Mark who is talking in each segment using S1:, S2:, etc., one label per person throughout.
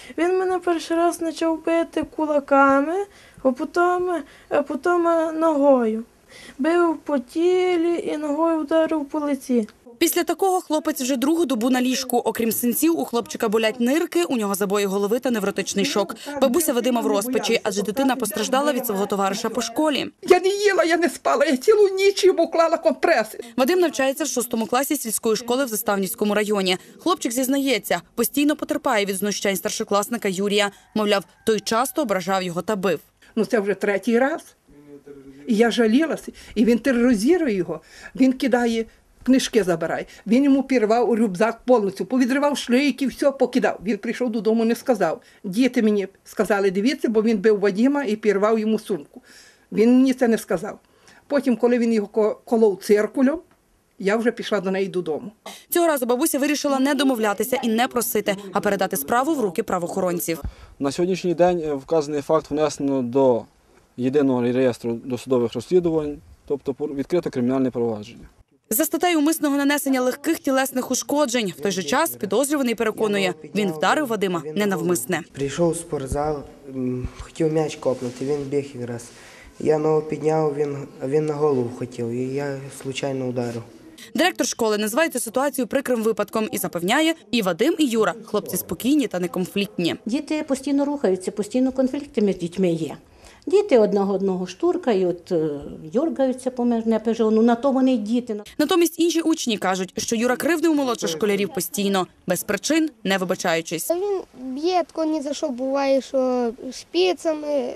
S1: Він мене перший раз почав бити кулаками, а потім ногою. Бив по тілі і ногою вдарив по лиці.
S2: Після такого хлопець вже другу добу на ліжку. Окрім синців, у хлопчика болять нирки, у нього забої голови та невротичний шок. Бабуся Вадима в розпачі, адже дитина постраждала від свого товариша по школі.
S3: Я не їла, я не спала, я цілу ніч йому клала компреси.
S2: Вадим навчається в 6 класі сільської школи в Заставнівському районі. Хлопчик зізнається, постійно потерпає від знущань старшокласника Юрія. Мовляв, той часто ображав його та бив.
S3: Це вже третій раз. І я жалілася, і він тероризує його. Він кидає, книжки забирає. Він йому пірвав у рюкзак повністю, повідривав шлейки, все покидав. Він прийшов додому, не сказав. Діти мені сказали, дивіться, бо він бив Вадима і пірвав йому сумку. Він мені це не сказав. Потім, коли він його колов циркулем, я вже пішла до неї додому.
S2: Цього разу бабуся вирішила не домовлятися і не просити, а передати справу в руки правоохоронців.
S4: На сьогоднішній день вказаний факт внесено до єдиного реєстру досудових розслідувань, тобто відкрито кримінальне провадження.
S2: За статтею умисного нанесення легких тілесних ушкоджень. В той же час підозрюваний переконує, він вдарив Вадима ненавмисне.
S5: Прийшов у спортзал, хотів м'яч копнути, він біг якраз. Я ногу підняв, він на голову хотів, і я случайно ударив.
S2: Директор школи називає цю ситуацію прикрим випадком і запевняє, і Вадим, і Юра – хлопці спокійні та неконфліктні.
S6: Діти постійно рухаються, постійно конфлікти між дітьми є. Діти одного штуркають, дергаються поміж непежону, на то вони й діти.
S2: Натомість інші учні кажуть, що Юра кривдив молодших школярів постійно, без причин, не вибачаючись.
S7: Він б'є, тако ні за що буває, що шпицями,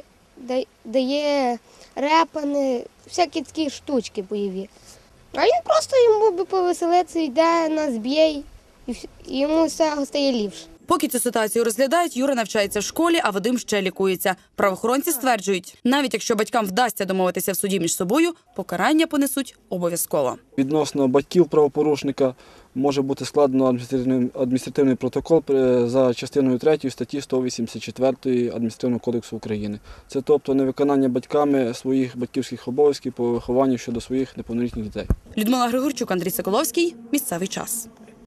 S7: дає репани, всякі такі штучки бойові. А він просто йому би повеселитися, йде, нас б'є, і йому все стає ліпше.
S2: Поки цю ситуацію розглядають, Юра навчається в школі, а Вадим ще лікується. Правоохоронці стверджують, навіть якщо батькам вдасться домовитися в суді між собою, покарання понесуть обов'язково.
S4: Відносно батьків правопорушника може бути складено адміністративний протокол за частиною 3 статті 184 Адміністративного кодексу України. Це тобто невиконання батьками своїх батьківських обов'язків по вихованню щодо своїх неповнолітніх дітей.
S2: Людмила Григорчук, Андрій Соколовський. Місцевий час.